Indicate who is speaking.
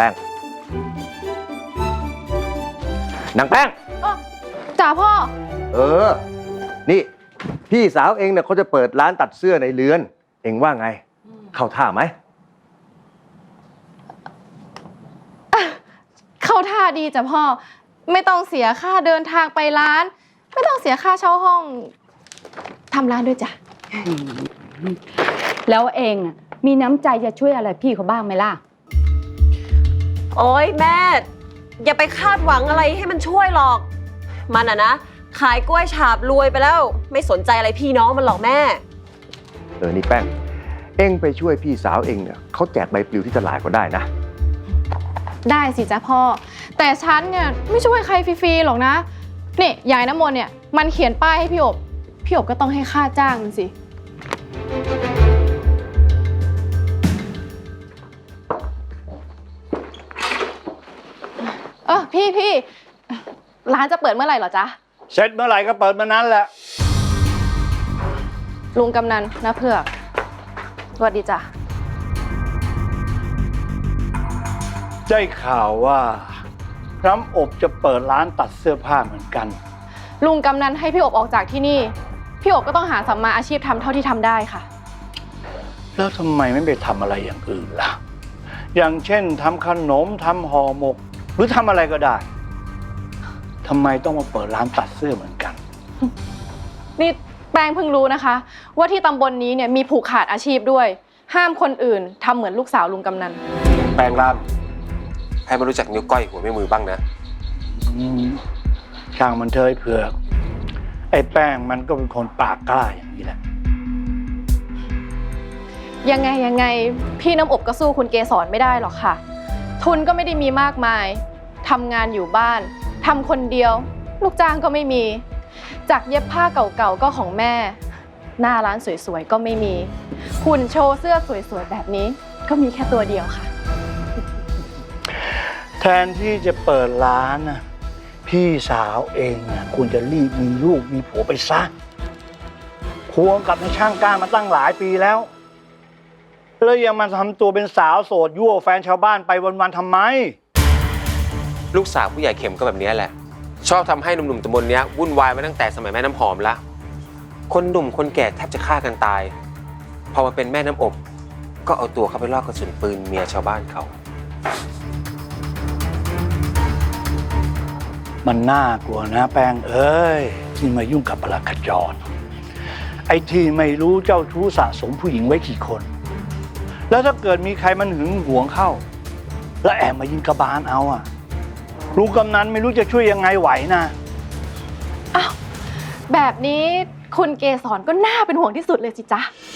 Speaker 1: ป้งนางแป้ง
Speaker 2: จ๋าพ่อ
Speaker 1: นี่พี่สาวเองเนี่ยเขาจะเปิดร้านตัดเสื้อในเรือนเองว่าไงเข้าท่าไหม
Speaker 2: เข้าท่าดีจ้ะพ่อไม่ต้องเสียค่าเดินทางไปร้านไม่ต้องเสียค่าเช่าห้องทำร้านด้วยจ้ะ
Speaker 3: แล้วเองมีน้ำใจจะช่วยอะไรพี่เขาบ้างไหมล่ะ
Speaker 4: โอ๊ยแม่อย่าไปคาดหวังอะไรให้มันช่วยหรอกมันนะขายกล้วยฉาบรวยไปแล้วไม่สนใจอะไรพี่น้องมันหรอกแม่
Speaker 1: นี่แป้งเองไปช่วยพี่สาวเองเนี่ยเขาแจกใบปลิวที่ตลาดก็ได้นะ
Speaker 2: ได้สิจ้ะพ่อแต่ฉันเนี่ยไม่ช่วยใครฟรีๆหรอกนะนี่ยายน้ำมนต์เนี่ยมันเขียนป้ายให้พี่อบก็ต้องให้ค่าจ้างมันสิพี่ร้านจะเปิดเมื่อไหร่เหรอจ๊ะ
Speaker 5: เสร็จเมื่อไหร่ก็เปิดเมื่อนั้นแหละ
Speaker 2: ลุงกำนันนะเผือกสวัสดีจ้ะ
Speaker 5: ได้ข่าวว่าน้ำอบจะเปิดร้านตัดเสื้อผ้าเหมือนกัน
Speaker 2: ลุงกำนันให้พี่อบออกจากที่นี่พี่อบก็ต้องหาสัมมาอาชีพทำเท่าที่ทำได้ค่ะ
Speaker 5: แล้วทำไมไม่ไปทำอะไรอย่างอื่นล่ะอย่างเช่นทำขนมทำห่อหมกหรือทำอะไรก็ได้ทำไมต้องมาเปิดร้านตัดเสื้อเหมือนกัน
Speaker 2: นี่แป้งเพิ่งรู้นะคะว่าที่ตำบลนี้เนี่ยมีผูกขาดอาชีพด้วยห้ามคนอื่นทำเหมือนลูกสาวลุงกำนัน
Speaker 6: แป้งล่ามให้มันรู้จักนิ้วก้อยหัวแม่มือบ้างนะ
Speaker 5: ช่างมันเถอะเผือกไอ้แป้งมันก็เป็นคนปากกล้าอย่างนี้แหละ
Speaker 2: ยังไงพี่น้ำอบก็สู้คุณเกศรไม่ได้หรอกค่ะทุนก็ไม่ได้มีมากมายทำงานอยู่บ้านทำคนเดียวลูกจ้างก็ไม่มีจากเย็บผ้าเก่าๆก็ของแม่หน้าร้านสวยๆก็ไม่มีหุ่นโชว์เสื้อสวยๆแบบนี้ก็มีแค่ตัวเดียวค่ะ
Speaker 5: แทนที่จะเปิดร้านนะพี่สาวเองนะควรจะรีบมีลูกมีผัวไปซะควงกับในช่างกล้ามาตั้งหลายปีแล้วแล้วยังมาทำตัวเป็นสาวโสดยั่วแฟนชาวบ้านไปวันๆทำไม
Speaker 6: ลูกสาวผู้ใหญ่เข็มก็แบบนี้แหละชอบทำให้หนุ่มๆตำบลนี้วุ่นวายมาตั้งแต่สมัยแม่น้ำหอมละคนหนุ่มคนแก่แทบจะฆ่ากันตายพอมาเป็นแม่น้ำอบก็เอาตัวเข้าไปลอกกระสุนปืนเมียชาวบ้านเขา
Speaker 5: มันน่ากลัวนะแป้งเอ้ยที่มายุ่งกับปลัดขจรไอ้ที่ไม่รู้เจ้าชู้สะสมผู้หญิงไว้กี่คนแล้วถ้าเกิดมีใครมันหึงหวงเข้าแล้วแอบมายิงกระบาลเอาลุงกำนันไม่รู้จะช่วยยังไงไหวนะ
Speaker 2: อ้าวแบบนี้คุณเกศรก็น่าเป็นห่วงที่สุดเลยสิจ๊ะ